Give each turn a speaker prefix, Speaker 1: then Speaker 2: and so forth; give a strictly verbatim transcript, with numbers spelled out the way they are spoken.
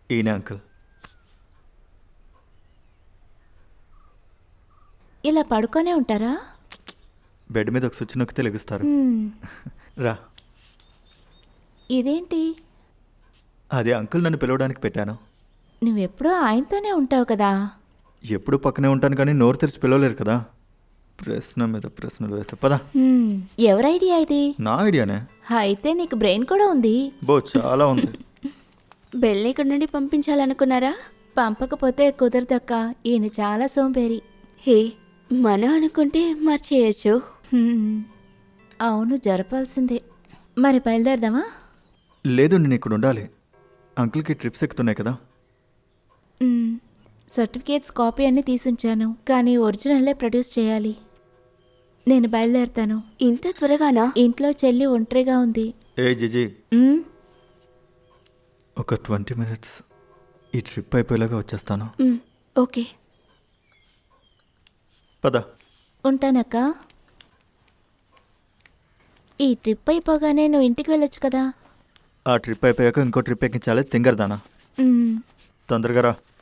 Speaker 1: ఈయన అంకుల్.
Speaker 2: ఇలా పడుకొనే ఉంటారా?
Speaker 1: బెడ్ మీద ఒక స్విచ్ నొక్కితే లెగుస్తారు.
Speaker 2: హ్మ్.
Speaker 1: రా.
Speaker 2: ఇదేంటి?
Speaker 1: అదే అంకుల్ నన్ను పిలవడానికి పెట్టాను.
Speaker 2: నువ్వెప్పుడూ ఆయనతోనే ఉంటావు కదా.
Speaker 1: ఎప్పుడు పక్కనే ఉంటాను కానీ నోరు తెరిచి పిలవలేరు కదా. ప్రశ్న మీద ప్రశ్నలు వేస్తే పదా.
Speaker 2: హ్మ్. ఎవరి ఐడియా ఇది?
Speaker 1: నా ఐడియానే.
Speaker 2: అయితే నీకు బ్రెయిన్ కూడా ఉంది.
Speaker 1: బో చాలా ఉంది.
Speaker 3: బెల్ని ఇక్కడి నుండి పంపించాలనుకున్నారా?
Speaker 2: పంపకపోతే కుదరదక్క. ఈయన చాలా సోంబేరి.
Speaker 3: హే, మనం అనుకుంటే మర్చేయచ్చు.
Speaker 2: హ్మ్. అవును, జరపాల్సిందే. మరి బయలుదేరదామా?
Speaker 1: లేదు, నేను ఇక్కడ ఉండాలి. అంకుల్కి ట్రిప్స్ ఎక్కుతున్నాయి కదా.
Speaker 2: హ్మ్. సర్టిఫికేట్స్ కాపీ అన్నీ తీసుంచాను, కానీ ఒరిజినల్లే ప్రొడ్యూస్ చేయాలి. నేను బయలుదేరుతాను.
Speaker 3: ఇంత త్వరగానా?
Speaker 2: ఇంట్లో చెల్లి ఒంటరిగా ఉంది.
Speaker 1: ఏ జిజి,
Speaker 2: హ్మ్.
Speaker 1: ఒక ట్వంటీ మినిట్స్ ఈ ట్రిప్ అయిపోయేలాగా వచ్చేస్తాను.
Speaker 3: మ్, ఓకే.
Speaker 1: పద.
Speaker 2: ఉంటానక్క. ఈ ట్రిప్ అయిపోగానే నువ్వు ఇంటికి వెళ్ళొచ్చు కదా.
Speaker 1: ఆ ట్రిప్ అయిపోయాక ఇంకో ట్రిప్ ఎక్కించాలి తింగరదానా.
Speaker 2: హ్మ్.
Speaker 1: తొందరగా రా.